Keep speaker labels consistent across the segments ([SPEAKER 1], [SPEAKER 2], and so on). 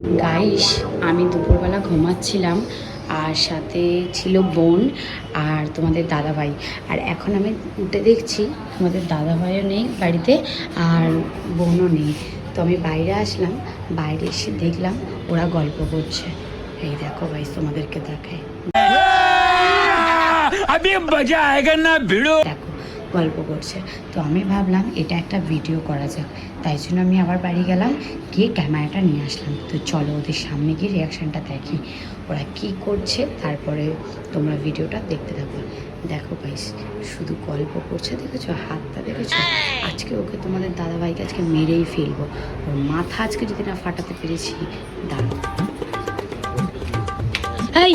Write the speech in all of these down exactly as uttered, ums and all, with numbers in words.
[SPEAKER 1] Guys আমি দুপুরবেলা ঘুমাচ্ছিলাম আর সাথে ছিল বোন আর তোমাদের দাদাভাই। আর এখন আমি উঠে দেখছি তোমাদের দাদাভাইও নেই বাড়িতে আর বোনও নেই। তো আমি বাইরে আসলাম, বাইরে এসে দেখলাম ওরা গল্প করছে। এই দেখো গাইস তোমাদেরকে দেখায়, দেখো গল্প করছে। তো আমি ভাবলাম এটা একটা ভিডিও করা যাক, তাই জন্য আমি আবার বাড়ি গেলাম, গিয়ে ক্যামেরাটা নিয়ে আসলাম। তো চলো ওদের সামনে গিয়ে রিয়াকশানটা দেখি ওরা কি করছে, তারপরে তোমরা ভিডিওটা দেখতে থাকো। দেখো গাইস শুধু গল্প করছে, দেখেছো হাতটা দেখেছো? আজকে ওকে তোমাদের দাদাভাইকে আজকে মেরেই ফেলবো, ওর মাথা আজকে যদি না ফাটাতে পেরেছি। দাঁড়ো এই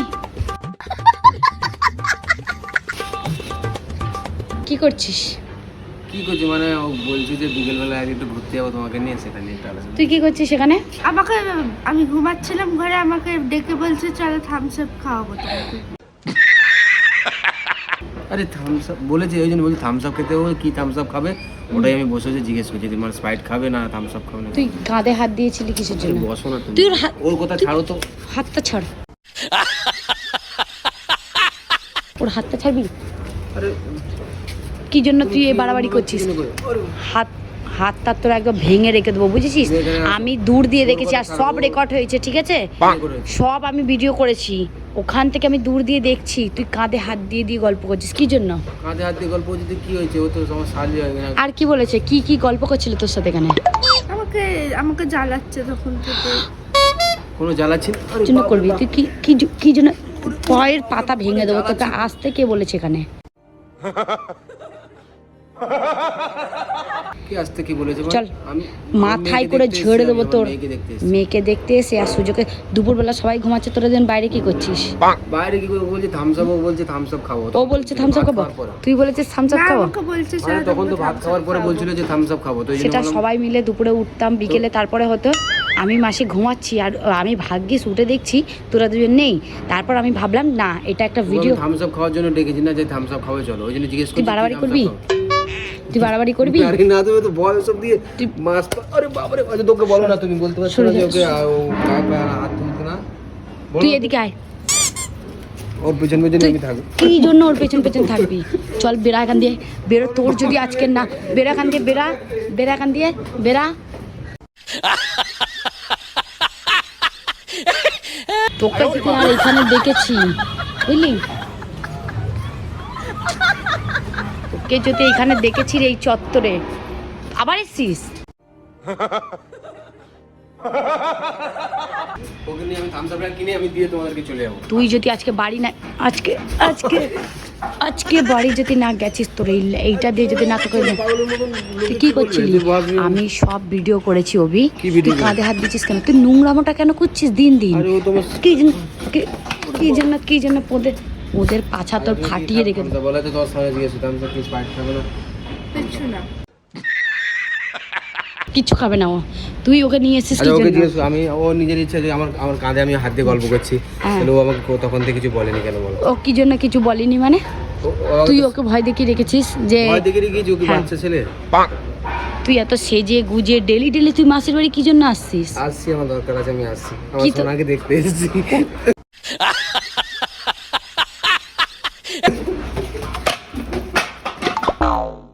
[SPEAKER 1] কি করছিস?
[SPEAKER 2] কি করছি মানে ও বলছি যে বিকেলবেলা আগে একটু ঘুরতে যাবো তোমাকে নিয়ে, সেটা নিয়ে একটা আলোচনা।
[SPEAKER 1] তুই কি করছিস সেখানে?
[SPEAKER 3] আমাকে আমি ঘুমাচ্ছিলাম ঘরে, আমাকে ডেকে বলছে চলো থামস আপ খাওয়াবো তোমাকে।
[SPEAKER 2] আরে থামস আপ বলেছে, ওই জন্য বলছি থামস আপ খেতে হবে। কি থামস আপ খাবে ওটাই আমি বসে বসে জিজ্ঞেস করছি, মানে স্প্রাইট খাবে না থামস আপ খাবে না।
[SPEAKER 1] তুই কাঁধে হাত দিয়েছিলি কিসের জন্য?
[SPEAKER 2] বসো না তুমি,
[SPEAKER 1] তুই ওর হাত,
[SPEAKER 2] ওর কথা ছাড়ো তো।
[SPEAKER 1] হাতটা ছাড়, ওর হাতটা ছাড়বি।
[SPEAKER 2] আরে
[SPEAKER 1] কি জন্য তুই এই বাড়াবাড়ি করছিস? হাত হাতটা তোর একদম ভেঙে রেখে দেবো, বুঝেছিস? আমি দূর দিয়ে দেখেছি আর সব রেকর্ড হয়েছে, ঠিক আছে? সব আমি ভিডিও করেছি, ওখান থেকে আমি দূর দিয়ে দেখছি তুই কাঁধে হাত দিয়ে দিয়ে গল্প করছিস। কি জন্য
[SPEAKER 2] কাঁধে হাত দিয়ে গল্প করছিস? কি হয়েছে? ও তো আমার শালি হয় না।
[SPEAKER 1] আর কি বলেছে? কি কি গল্প করছিল তোর সাথে এখানে?
[SPEAKER 3] আমাকে আমাকে জ্বালাচ্ছে তখন থেকে।
[SPEAKER 2] কোনো জ্বালাচ্ছি
[SPEAKER 1] কি জন্য করবি তুই? কি কি জ- কি জন্য? পায়ের পাতা ভেঙে দেবো তোকে। আসতে কে বলেছে এখানে?
[SPEAKER 2] কি আসতে কি বলেছে?
[SPEAKER 1] চল মাথায় করে ঝেড়ে দেবো তোর। মেয়েকে দেখতে এসে আর সুযোগে দুপুরবেলা সবাই ঘুমাচ্ছে, তোরা যেন বাইরে কি করছিস?
[SPEAKER 2] বাইরে কি করে বলছে থামস আপ? ও বলছে থামস আপ খাবো।
[SPEAKER 1] ও বলছে থামস আপ খাবো, তুই বলেছিস থামস আপ
[SPEAKER 3] না,
[SPEAKER 1] খাবো।
[SPEAKER 3] আমাকে বলছে
[SPEAKER 2] আরে
[SPEAKER 3] চলো
[SPEAKER 2] তখন তো
[SPEAKER 3] তোমরা
[SPEAKER 2] ভাত
[SPEAKER 3] thumbs up
[SPEAKER 2] খাওয়ার পরে
[SPEAKER 3] খাও।
[SPEAKER 2] বলছিল যে থামস আপ খাবো, তো এই জন্য
[SPEAKER 1] সেটা
[SPEAKER 2] বললাম-
[SPEAKER 1] সবাই মিলে দুপুরে উঠতাম, বিকেলে তারপরে হতো। আমি মাসে ঘুমাচ্ছি আর আমি ভাগ্যিস উঠে দেখছি তোরা দুজন নেই। তারপর আমি ভাবলাম না এটা একটা ভিডিও।
[SPEAKER 2] থামস আপ খাওয়ার জন্য ডেকেছি না, যে থামস আপ খাবে চলো, ওই জন্য জিজ্ঞেস করছি।
[SPEAKER 1] তুই বাড়াবাড়ি করবি? তুই বাড়াবাড়ি করবি?
[SPEAKER 2] আরে না, তুমি তো বল সব দিয়ে মাছ। আরে বাবা রে, আচ্ছা তোকে বলো না, তুমি বলতে পারছো না যে ওকে আ- ও গায়ে পায়ে হাত তুলতে না? বলো
[SPEAKER 1] তুই
[SPEAKER 2] না।
[SPEAKER 1] এদিকে আয়।
[SPEAKER 2] ওর পেছন পেছন
[SPEAKER 1] তুই
[SPEAKER 2] আমি থাকবো।
[SPEAKER 1] কি জন্য ওর পেছন পেছন থাকবি? চল বেড়া এখান দিয়ে, বেরো। তোর যদি আজকে না বেড়া এখান দিয়ে, বেড়া বেড়া এখান দিয়ে, বেড়া। তোকে যদি আর এখানে দেখেছি বুঝলি, তোকে যদি এখানে দেখেছি রে এই চত্বরে, আবার এসছিস।
[SPEAKER 2] ওকে নিয়ে আমি থামস আপটা কিনে আমি দিয়ে তোমাদেরকে চলে যাবো।
[SPEAKER 1] তুই যদি আজকে বাড়ি না আজকে আজকে আজকে বাড়ি যদি না গেছিস, তোর এই এইটা দিয়ে যদি না তোকে, তুই কি করছিলি? আমি সব ভিডিও করেছি অভি।
[SPEAKER 2] কি ভিডিও?
[SPEAKER 1] তুই কাঁধে হাত দিচ্ছিস কেন? তুই নোংরামোটা কেন করছিস দিন দিন?
[SPEAKER 2] আরে ও তোমার
[SPEAKER 1] কি জন্য কি- কি জন্য কি জন্য ওদের ওদের পাছা তোর ফাটিয়ে রেখে দেবো।
[SPEAKER 2] বলে তো দশ সালে জিজ্ঞেস থামস আপ কি স্প্রাইট খাবে না?
[SPEAKER 3] কিছু না,
[SPEAKER 1] কিচ্ছু খাবে না ও। তুই ওকে নিয়ে এসেছিস কি
[SPEAKER 2] আচ্ছা ওকে
[SPEAKER 1] জন্য?
[SPEAKER 2] জিজ্ঞেস, আমি ও নিজের ইচ্ছা যে আমার আমার কাঁধে আমি হাত দিয়ে গল্প করছি,
[SPEAKER 1] হ্যাঁ।
[SPEAKER 2] তাহলে ও আমাকে কো- তখন থেকে কিছু বলেনি কেন বলো?
[SPEAKER 1] ও কি জন্য কিছু বলিনি মানে?
[SPEAKER 2] ও- ও
[SPEAKER 1] তুই
[SPEAKER 2] আমাকে
[SPEAKER 1] ওকে ভয় দেখিয়ে রেখেছিস যে
[SPEAKER 2] ভয় দেখে রেখেছি, ও কি
[SPEAKER 1] হ্যাঁ।
[SPEAKER 2] বাচ্চা ছেলে?
[SPEAKER 1] তুই এত সেজে গুজে ডেলি ডেলি তুই মাসির বাড়ি কি জন্য আসছিস?
[SPEAKER 2] আসছি, আমার দরকার আছে, আমি আসছি, আমার
[SPEAKER 1] কি তো-
[SPEAKER 2] সোনাকে দেখতে এসেছি।